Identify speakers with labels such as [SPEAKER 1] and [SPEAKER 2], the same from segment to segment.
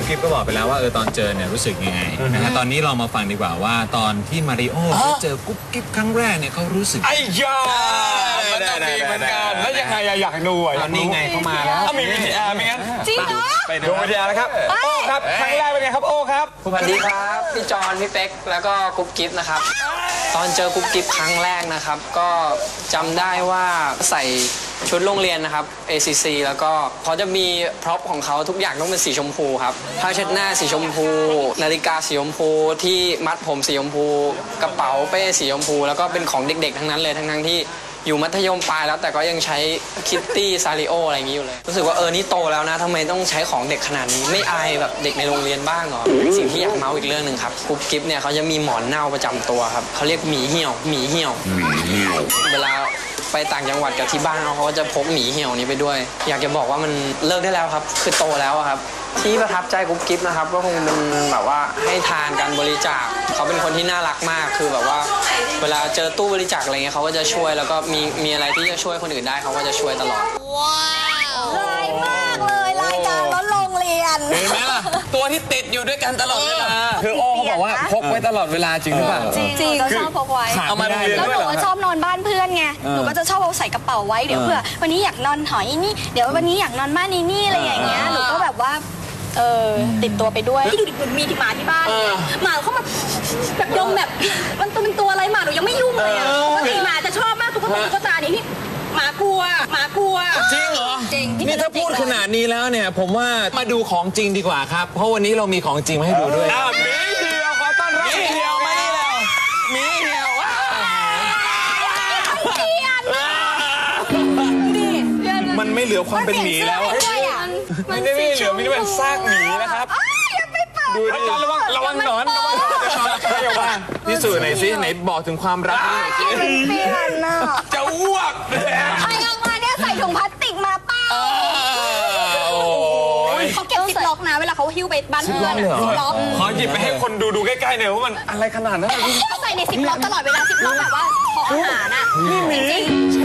[SPEAKER 1] กิ๊บก็บอกไปแล้วว่าตอนเจอเนี่ยรู้สึกยังไงนะฮะตอนนี้เรามาฟังดีกว่าว่าตอนที่มาริโอเขาเจอกุ๊บกิ๊บครั้งแรกเนี่ยเขารู้สึก
[SPEAKER 2] ไอ้ยามันต้องมีเหมือนกันแล้วยังไงอยากดูอ่ะ
[SPEAKER 1] ตอนนี้ไงเขามาแล้ว
[SPEAKER 2] มีวิทยาไม่งั้น
[SPEAKER 3] จริงเหรอ
[SPEAKER 2] ไปดูวิทยาแล้วครับโอ้ครับครั้งแรกเป็นไงครับโอ้ครับ
[SPEAKER 4] สวัสดีครับพี่จอนพี่เป๊กแล้วก็กุ๊บกิ๊บนะครับตอนเจอกุ๊บกิ๊บครั้งแรกนะครับก็จำได้ว่าใส่ชุดโรงเรียนนะครับ ACC แล้วก็เขาจะมีพร็อพของเขาทุกอย่างต้องเป็นสีชมพูครับผ้าเช็ดหน้าสีชมพูนาฬิกาสีชมพูที่มัดผมสีชมพูกระเป๋าเป้สีชมพูแล้วก็เป็นของเด็กๆทั้งนั้นเลยทั้งที่อยู่มัธยมปลายแล้วแต่ก็ยังใช้คิตตี้ซาริโออะไรอย่างนี้อยู่เลยรู้สึกว่านี่โตแล้วนะทำไมต้องใช้ของเด็กขนาดนี้ไม่อายแบบเด็กในโรงเรียนบ้างเหรอสิ่งที่อยากเมาส์อีกเรื่องหนึ่งครับกุ๊บกิ๊บเนี่ยเขาจะมีหมอนเน่าประจำตัวครับเขาเรียกหมีเหี่ยวเวลาไปต่างจังหวัดกับที่บ้านเขาก็จะพกหมีเหี่ยวนี้ไปด้วยอยากจะบอกว่ามันเลิกได้แล้วครับคือโตแล้วครับที่ประทับใจกุ๊บกิ๊บนะครับก็คงเป็นแบบว่าให้ทานการบริจาคเขาเป็นคนที่น่ารักมากคือแบบว่าเวลาเจอตู้บริจาคอะไรเงี้ยเขาก็จะช่วยแล้วก็มีอะไรที่จะช่วยคนอื่นได้เขาก็จะช่วยตลอด
[SPEAKER 3] ว้าวร้ายมากเลยรายการรถโรงเรียน
[SPEAKER 1] เห็นไหมล่ะตัวที่ติดอยู่ด้วยกันตลอดเวลา
[SPEAKER 2] คือโอ้เขาบอกว่าพกไว้ตลอดเวลาจริงหรือเปล่า
[SPEAKER 3] จริงๆเราชอบพกไว้
[SPEAKER 1] เอามาได้
[SPEAKER 3] แล้วหนูก็ชอบนอนบ้านเพื่อนไงหนูก็จะชอบเอาใส่กระเป๋าไว้เดี๋ยวเผื่อวันนี้อยากนอนหอนี่เดี๋ยววันนี้อยากนอนบ้านนี่อะไรอย่างเงี้ยหนูก็แบบว่าติดตัวไปด้วยที่ดูดิเหมือนมีที่หมาที่บ้านหมาเข้ามาแบบดมแบบมันเป็นตัวอะไรหมาหนูยังไม่ยุ่งเลยอ่ะปกติหมาจะชอบมากตุ๊กตานี่หมากลัว
[SPEAKER 1] จริงเหรอ
[SPEAKER 3] จริง
[SPEAKER 1] นี่ถ้าพูดขนาดนี้แล้วเนี่ยผมว่ามาดูของจริงดีกว่าครับเพราะวันนี้เรามีของจริงมาให้ดูด้วย
[SPEAKER 2] หมีเหี่ยวขอต้อนรับหมีเหี่ยวมานี่แล้วหมีเหี่ยวมันไม่เหลือความเป็นหมีแล้วมันไม่เหลือมีแต่ซากหมีนะครับดูดิระวังหนอนพิสูจน์หน่อยสิไหนบอกถึงความรัก
[SPEAKER 3] เปลี่ยนน่ะ
[SPEAKER 2] จะอ้วก
[SPEAKER 3] ใครเอามาเนี่ยใส่ถุงพลาสติกมาเปล่าเขาเก็บซิปล็อกนะเวลาเขาหิ้วไปบ้านเพื่อนซิปล็อก
[SPEAKER 2] ขอหยิบไปให้คนดูใกล้ๆหน่อยว่ามันอะไรขนาดนั้น
[SPEAKER 3] เขาใส่ในซิปล็อกตลอดเวลาซิปล็อกแบบว่าขออาหารน่ะจริง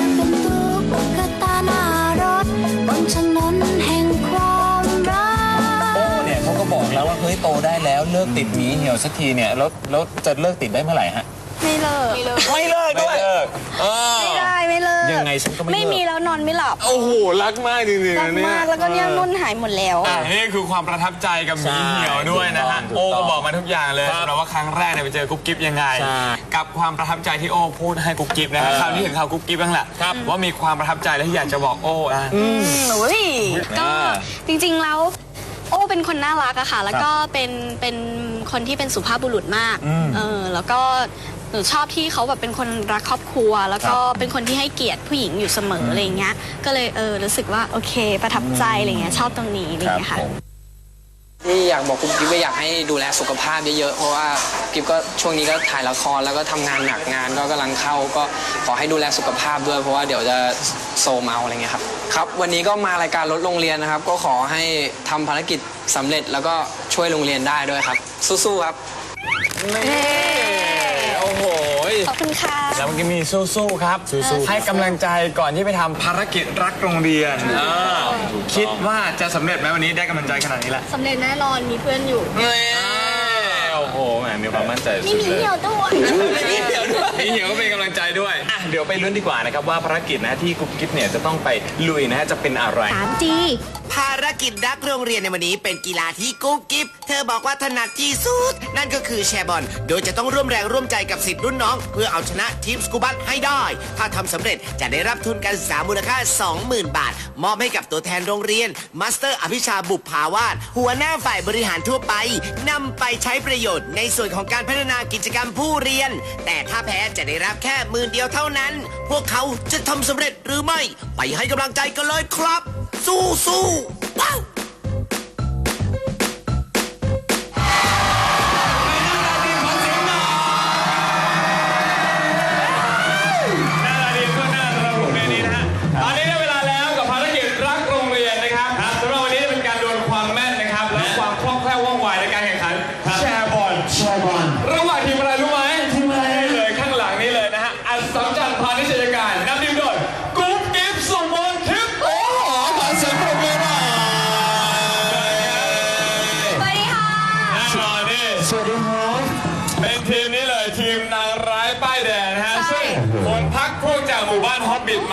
[SPEAKER 1] เขาก็บอกแล้วว่าเฮ้ยโตได้แล้วเลิกติดหมีเหี่ยวสักทีเนี่ยแล้วจะเลิกติดได้เมื่อไหร่ฮะ
[SPEAKER 3] ไม่เลิก
[SPEAKER 1] ด้วย
[SPEAKER 3] ไม่เลิก
[SPEAKER 1] ยังไงฉันก็
[SPEAKER 3] ไม่มีแล้วนอนไม่หลับ
[SPEAKER 2] โอ้โหรักมากจริงๆ
[SPEAKER 3] รักมากแล้วก็เนี่ยนุ่นหายหมดแล้ว
[SPEAKER 2] นี่คือความประทับใจกับหมีเหี่ยวด้วยนะฮะโอ้ก็บอกมาทุกอย่างเลยสำหรับว่าครั้งแรกเนี่ยไปเจอกุ๊บกิ๊บยังไงกับความประทับใจที่โอ้พูดให้กุ๊บกิ๊บนะคราวนี้ถึงข่าวกุ๊บกิ๊บบ้างแหละว่ามีความประทับใจและที่อยากจะบอกโอ้
[SPEAKER 3] ก็จริงๆแล้วโอ้เป็นคนน่ารักอะค่ะแล้วก็เป็นคนที่เป็นสุภาพบุรุษมากแล้วก็หนูชอบที่เขาแบบเป็นคนรักครอบครัวแล้วก็เป็นคนที่ให้เกียรติผู้หญิงอยู่เสมออะไรเงี้ยก็เลยรู้สึกว่าโอเคประทับใจอะไรเงี้ยชอบตรงนี้อะไรเงี้ยค่ะ
[SPEAKER 4] ที่อยากบอกกุ๊บกิ๊บว่าอยากให้ดูแลสุขภาพเยอะๆเพราะว่ากิ๊บก็ช่วงนี้ก็ถ่ายละครแล้วก็ทำงานหนักงานก็กำลังเข้าก็ขอให้ดูแลสุขภาพด้วยเพราะว่าเดี๋ยวจะโซมเอาอะไรเงี้ยครับวันนี้ก็มารายการรถโรงเรียนนะครับก็ขอให้ทำภารกิจสำเร็จแล้วก็ช่วยโรงเรียนได้ด้วยครับสู้ๆครับ
[SPEAKER 2] โอ้โห
[SPEAKER 3] ขอบคุณค่ะ
[SPEAKER 2] แล้วเมื่อกี้มีสู้ๆครับให้กำลังใจก่อนที่ไปทำภารกิจรักโรงเรียนคิดว่าจะสำเร็จไหมวันนี้ได้กำลังใจขนาดนี้แหละ
[SPEAKER 3] สำเร็จแน่นอนมีเพื่อนอยู่
[SPEAKER 2] โอ้โหแหมมีความมั่นใจ
[SPEAKER 3] มีหมีเหี่ยวด้วย
[SPEAKER 2] มีเหี่ยวก็เป็นกำลังใจด้วยเดี๋ยวไปลุ้นดีกว่านะครับว่าภารกิจนะที่กุ๊บกิ๊บเนี่ยจะต้องไปลุยนะฮะจะเป็นอะไร
[SPEAKER 3] 3G
[SPEAKER 5] ภารกิจรักโรงเรียนในวันนี้เป็นกีฬาที่กุ๊บกิ๊บเธอบอกว่าถนัดที่สุดนั่นก็คือแชร์บอลโดยจะต้องร่วมแรงร่วมใจกับศิษย์รุ่นน้องเพื่อเอาชนะทีมสกูบัสให้ได้ถ้าทำสำเร็จจะได้รับทุนการศึกษามูลค่า 20,000 บาทมอบให้กับตัวแทนโรงเรียนมาสเตอร์อภิชาบุพภาวาสหัวหน้าฝ่ายบริหารทั่วไปนำไปใช้ประโยชน์ในส่วนของการพัฒนากิจกรรมผู้เรียนแต่ถ้าแพ้จะได้รับแค่10,000 เดียวเท่านั้นพวกเขาจะทำสำเร็จหรือไม่ไปให้กำลังใจกันเลยครับสู้ๆว้าว
[SPEAKER 2] ระหว่างทีมอะไรรู้ไหมทีมอะไรเลยข้างหลังนี้เลยนะฮะอัศจรรย์พาณิชยการนำทีมโดยกุ๊บกิ๊บสุมนทิพย์โอ้ขอเสียงปรบมือหน่อย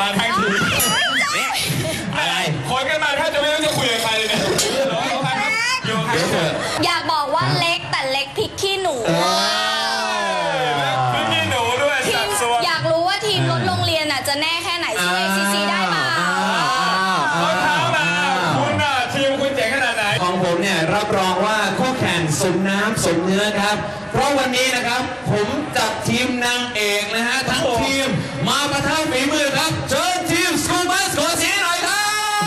[SPEAKER 2] มาทั้งทีม
[SPEAKER 1] อะไร
[SPEAKER 2] คนกันมาแทบจะไม่รู้จะคุยกับใครเลยเนี่ยอยู่กับใครครับอยู่กับใครครับ
[SPEAKER 3] อยากบอกว่าเล็กแต่เล็กพริกขี้หนู
[SPEAKER 2] ไม่มีหนูด้วย
[SPEAKER 3] ที
[SPEAKER 2] สั
[SPEAKER 3] ม
[SPEAKER 2] ดส่วน
[SPEAKER 3] อยากรู้ว่าทีมรถโรงเรียนจะแน่แค่ไหนสู้ ACC ได้เปล่า
[SPEAKER 2] เขาถามมาคุณน่ะทีมคุณเจ๋งขนาดไหน
[SPEAKER 1] ของผมเนี่ยรับรองว่าคู่แข่งสมน้ำสมเนื้อครับ เพราะวันนี้นะครับผมจัดทีมนางเอกนะฮะทั้งทีมมาประทะฝีมือครับเชิญทีมสกูบัสขอเสียงหน่อยครับ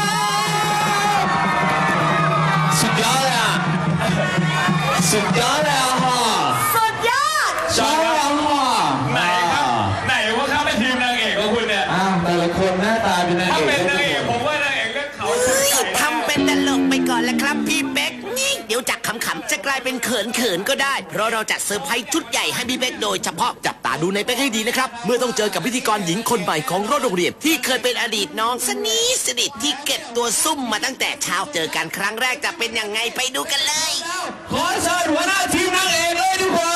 [SPEAKER 1] สุดยอดเลยอ่ะสุดยอดเลยอ่ะฮะ
[SPEAKER 3] สุดยอด
[SPEAKER 1] ชอบเลยอ่ะฮะ
[SPEAKER 2] ไหนครับไหนว่าเขาเป็นทีมนางเอกของคุณเนี่ย
[SPEAKER 1] อ้าวแต่ละคนหน้าตาเป็นนาง
[SPEAKER 2] ถ้า
[SPEAKER 1] เอก
[SPEAKER 2] เป็นนางเอกผมว่านางเอกเรื่องเขาชุดใหญ่แน่
[SPEAKER 5] ทำเป็นตลกไปก่อนแล้วครับพี่เป๊กนี่เดี๋ยวจากขำๆจะกลายเป็นเขินๆก็ได้ เพราะเราจัดเซอร์ไพรส์ชุดใหญ่ให้พี่เป๊กโดยเฉพาะจับตาดูในเป๊กให้ดีนะครับ เมื่อต้องเจอกับพิธีกรหญิงคนใหม่ของรถโรงเรียนที่เคยเป็นอดีตน้องสนิทที่เก็บตัวซุ่มมาตั้งแต่เช้าเจอกันครั้งแรกจะเป็นยังไงไปดูกันเลย
[SPEAKER 1] ขอเชิญหัวหน้าทีมนางเอกเลยดีกว่า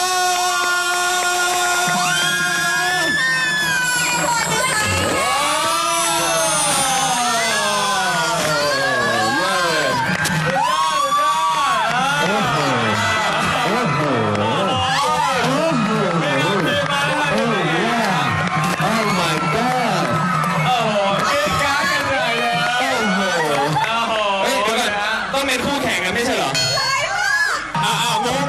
[SPEAKER 1] ต้องเป็นคู่แข่งกันไม่ใช่เหรอ งง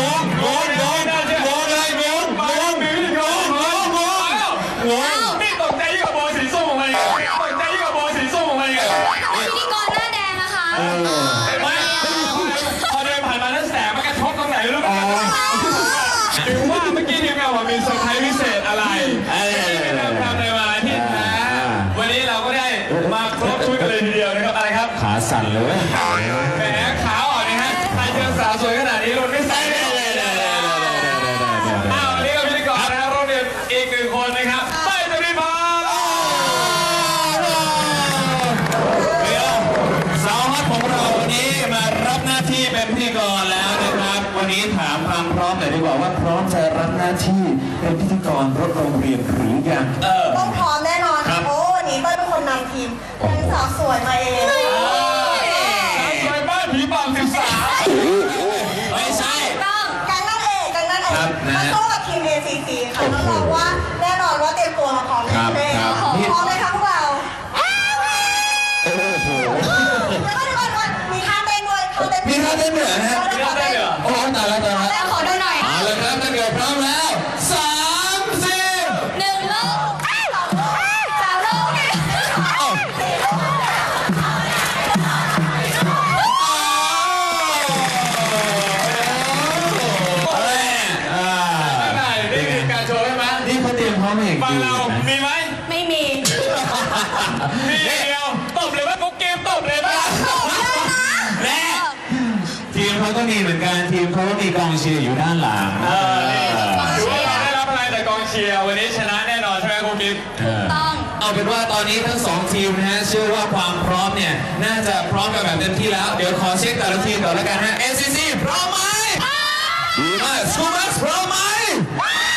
[SPEAKER 2] นี่ตกใจยิ่งกว่าโบสีส้มของมันอีกตกใจยิ่งกว่าโบสีส้มของมันอีก
[SPEAKER 3] พิธีกรหน้าแดงนะคะ
[SPEAKER 2] ไม่พอเดินผ่านมาแล้วแสงมันกระทบตรงไหนรู้ไหมหรือว่าเมื่อกี้ทีมงานว่ามีเซอร์ไพรส์พิเศษอะไรที่เราทำในวันอาทิตย์นะวันนี้เราก็ได้มาครบชุดกันเลยทีเดียวนะครับอะไรครับ
[SPEAKER 1] ขาสั่นเลย
[SPEAKER 2] แหมขาวอ่อนนะฮะใครเจอสาวสวยขนาดนี้รุ่นไม่ใส่เลยอ้าววันนี้ก็พิธีกรนะครับโรงเรียนอีกหนึ่งคนนะครับเต้ยจรินพร
[SPEAKER 1] สาวฮอตของเราวันนี้มารับหน้าที่เป็นพิธีกรแล้วนะครับ วันนี้ถามความพร้อมหน่อยดีกว่าว่าพร้อมจะรับหน้าที่เป็นพิธีกรรถโรงเรียนหรือยัง
[SPEAKER 6] ต้องพร้อมแน่นอนโอ้วันนี้เต้ยเป็นคนนำทีมเป็นสาวสวยมาเอง
[SPEAKER 2] สวยบ้านผีปอบ13
[SPEAKER 1] ไม่ใช่
[SPEAKER 6] แก๊งนั่นเองมาสู้กับทีม ACC ค่ะน้องๆว่าแน่นอนว่าเตรียมตัวมาพร้อมแน่พร้อมเลยค่ะพวกเราแล้วมีท่าเต้นด้วย
[SPEAKER 1] มีท่าเต้นเหนือนะฮะ
[SPEAKER 2] มีท่าเต้นเหรอ
[SPEAKER 1] โอ้ตายแล้ว
[SPEAKER 3] แล้วขอดูหน่อย
[SPEAKER 1] เอาเลยครับถ้าเกิดพร้อมแล้ว3 4
[SPEAKER 3] หนึ่งลูกสามลูก
[SPEAKER 2] นี่คือการโชว์ใช่ไหม
[SPEAKER 1] นี่เขาเตรียมพร้อมอย่าง
[SPEAKER 2] ฝั่ง
[SPEAKER 1] ดี
[SPEAKER 2] เรา
[SPEAKER 1] นะ
[SPEAKER 2] มีไหม
[SPEAKER 3] ไม่มี
[SPEAKER 2] มีอย่างเดียวตบเลยว่ากุ๊กกิ๊บตบเลยป่ะ
[SPEAKER 1] และทีมเขาก็มีเหมือนกันทีมเขาก็มีกองเชียร์อยู่ด้านหลัง
[SPEAKER 2] ถือว่าเราได้รับอะไรแต่กองเชียร์วันนี้ชนะแน่นอนใช่ไหมกุ๊กกิ๊บ
[SPEAKER 3] ต้อง
[SPEAKER 1] เอาเป็นว่าตอนนี้ทั้ง2ทีมนะฮะเชื่อว่าความพร้อมเนี่ยน่าจะพร้อมกันแบบเต็มที่แล้วเดี๋ยวขอเช็คแต่ละทีมก่อนแล้วกันฮะ ACC พร้อมไหมดีมากสกูบัสพร้อมไหม